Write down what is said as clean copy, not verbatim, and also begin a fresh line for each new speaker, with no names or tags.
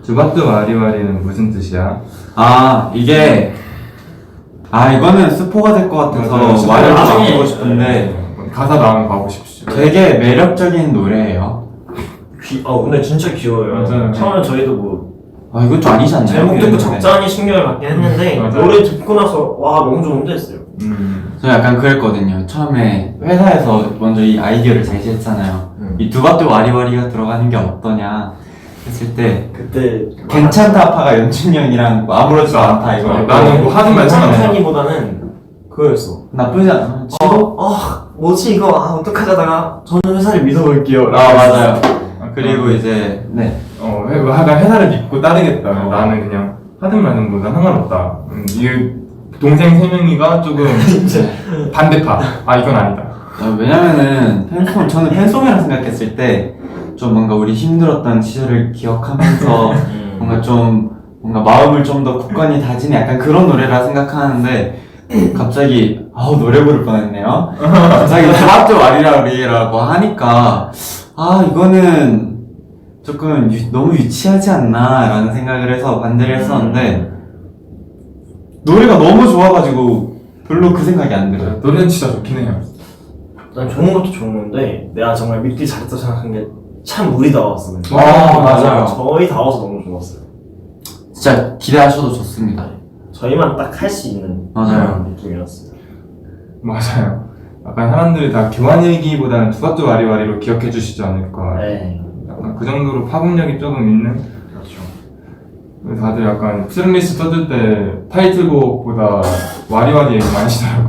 두바뚜 와리와리는 무슨 뜻이야?
이거는 스포가 될 것 같아서 말을 바꾸고 싶은데
가사 나오면 가고 싶지.
되게 매력적인 노래예요.
근데 진짜 귀여워요.
맞아요.
처음에 저희도 뭐
이건 좀 아니지 않나요?
제목 듣고
네.
적잖이 신경을 받긴 했는데
맞아요.
노래 듣고 나서 와 너무 좋은데 했어요.
저 약간 그랬거든요. 처음에 회사에서 먼저 이 아이디어를 제시했잖아요. 이 두바뚜 와리와리가 들어가는 게 어떠냐 했을 때
그때
괜찮다 아파가 연준이 형이랑 뭐 아무렇지도 않다 이거
나는 뭐 하는 말처럼
괜찮다기보다는 그거였어.
나쁘지 않아.
뭐지 이거 어떡하자다가 저는 회사를 믿어볼게요.
맞아요. 그리고 이제
나 회사를 믿고 따르겠다. 나는 그냥 하든 말든 뭐 난 상관없다. 이 동생 세 명이가 조금 반대파. 이건 아니다.
왜냐면은 저는 팬송이라 생각했을 때 좀 뭔가 우리 힘들었던 시절을 기억하면서 뭔가 마음을 좀 더 굳건히 다지는 약간 그런 노래라 생각하는데 갑자기 노래 부를 뻔했네요. 갑자기 두바뚜 와리와리라고 하니까 이거는 조금 너무 유치하지 않나 라는 생각을 해서 반대를 했었는데 노래가 너무 좋아가지고 별로 그 생각이 안 들어요.
노래는 진짜 좋긴 해요.
난 좋은 것도 좋은 건데 내가 정말 믿기 잘했다 생각한 게 참 우리 다웠어.
맞아요.
저희 다워서 너무 좋았어요.
진짜 기대하셔도 좋습니다.
저희만 딱 할 수 있는
맞아요.
그런 느낌이었어요.
맞아요. 약간 사람들이 다 교환 얘기보다는 두바뚜 와리와리로 기억해 주시지 않을까.
네,
약간 그 정도로 파급력이 조금 있는.
그렇죠.
다들 약간 트랙리스트 써줄 때 타이틀곡보다 와리와리 얘기 많이 하시더라고.